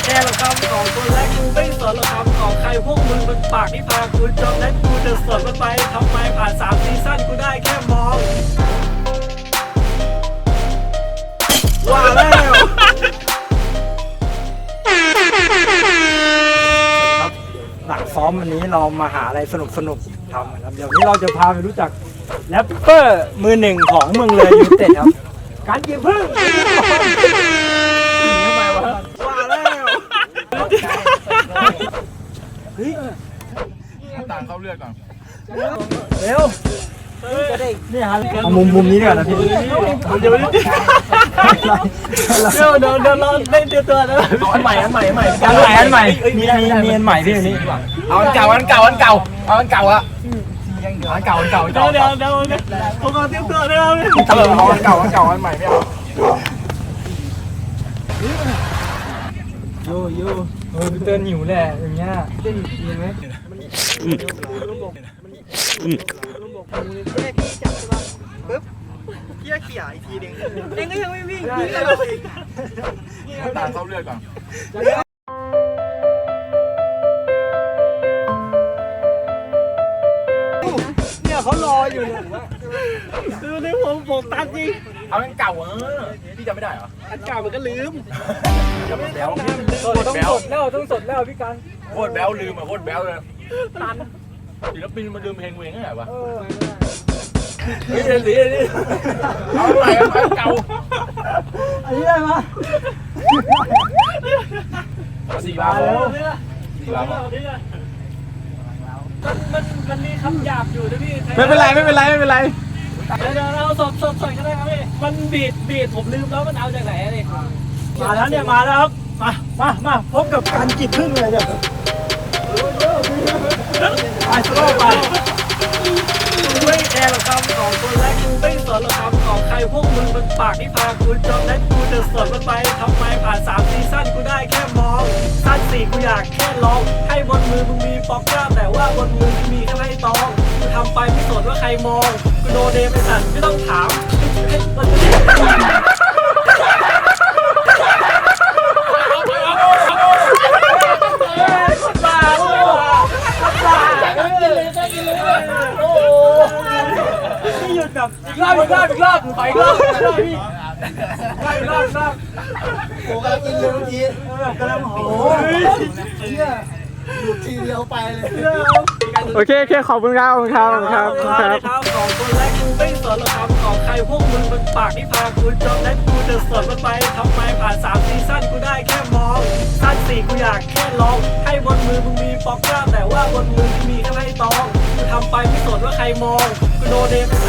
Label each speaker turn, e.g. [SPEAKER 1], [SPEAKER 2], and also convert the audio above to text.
[SPEAKER 1] ค่ละคำของคนและกูไม่สนละคำของใครพวกมึงมันปากที่พากูจนและกูจะสนมันไปทำไมผ่าน3 ซีซั่นกูได้แค่มองว่าแล้วหลังซ้อมวันนี้เรามาหาอะไรสนุกทำนะครับเดี๋ยวนี้เราจะพาไปรู้จักแรปเปอร์มือหนึ่งของเมืองเลยยูไนเต็ดครับการกินพึ่งทำไมวะว่าแล้วเฮ้ย
[SPEAKER 2] ต่างเข้าเลือดก่อน
[SPEAKER 1] เร็วนี่ฮะเอามุมนี้ดีกว่านะพี่เดี๋ยวเราเล่นตัวนะอันใหม่มีอันใหม่พี่นี่
[SPEAKER 2] เอาอันเก่าเอาอันเก่าอะเดี๋ยว
[SPEAKER 1] ผมขอเตรียมตัวด้วย
[SPEAKER 2] เอาอันเก่าอันใหม่ไม่เอา
[SPEAKER 1] โยเตือนหิวแหละอย่างเงี้ยเต้นยินไหมพี่จับใช่ป่ะปึ๊บพี่เขี่ยอีกทีนึงเองก็ยังไม่วิ่งพี่ก็วิ่ง
[SPEAKER 2] ต่างเข้าเลือดก่อน
[SPEAKER 1] เนี่ยเขารออยู่เนี่ยดูในผมตัดจริง
[SPEAKER 2] เอาอันเก่าพี่จำไม่ได้เหรอ
[SPEAKER 1] อันเก่ามันก็ลืม
[SPEAKER 2] จำแบ๊ว
[SPEAKER 1] ต้องสดแล้วพี่กัน
[SPEAKER 2] โคตรแบ๊วลืมโคตรแบ๊วเลยตันศิลปินมาลืมเพลงเวงไงวะนี่เอาใหม่อันเก่า
[SPEAKER 1] อันนี้ได้ไหม
[SPEAKER 2] 4 บาท
[SPEAKER 1] มันมีคำหยาบอยู่นะพี่
[SPEAKER 2] ไม่เป็นไร
[SPEAKER 1] เดี๋ยวเราสดก็ได้ครับพี่มันบีดผมลืมแล้วมันเอาจากไหนนี่มาแล้วเนี่ยมาแล้วครับมาพบกับการกินพึ่งเลยเนี่ยไปสโลว์ไปไม่แคร์ละคำของคนและกูไม่สนละคำของใครพวกมึงมันปากที่พากูจนและกูจะสนมันไปทำไมผ่าน3 ซีซั่นกูได้แค่มองสั้น4กูอยากแค่ลองให้บนมือมึงมีป๊อกกล้าแต่ว่าบนมือมึงมีแค่ไม้ตองกูทำไปไม่สนว่าใครมองกูโดนเดมไอ้สัตว์ไม่ต้องถามพี่หยุดแบบอีกรอบขออีกรอบพี่โอ้กำลังกินเลยเมื่อกี้กำลังโอ้ยหยุดทีเดียวไปเลย
[SPEAKER 3] โอเคขอบคุณครับของคน
[SPEAKER 1] และกูไม่สนละคำของใครพวกมึงมันปากที่พากูจนและกูจะสนมันไปทำไมผ่าน3 ซีซั่นกูได้แค่มองสั้น4กูอยากแค่ลองให้บนมือมึงมีป๊อกกล้าแต่ว่าบนมือมีแค่ไม้ตองกูทำไปไม่สนว่าใครมองกูโดนเดม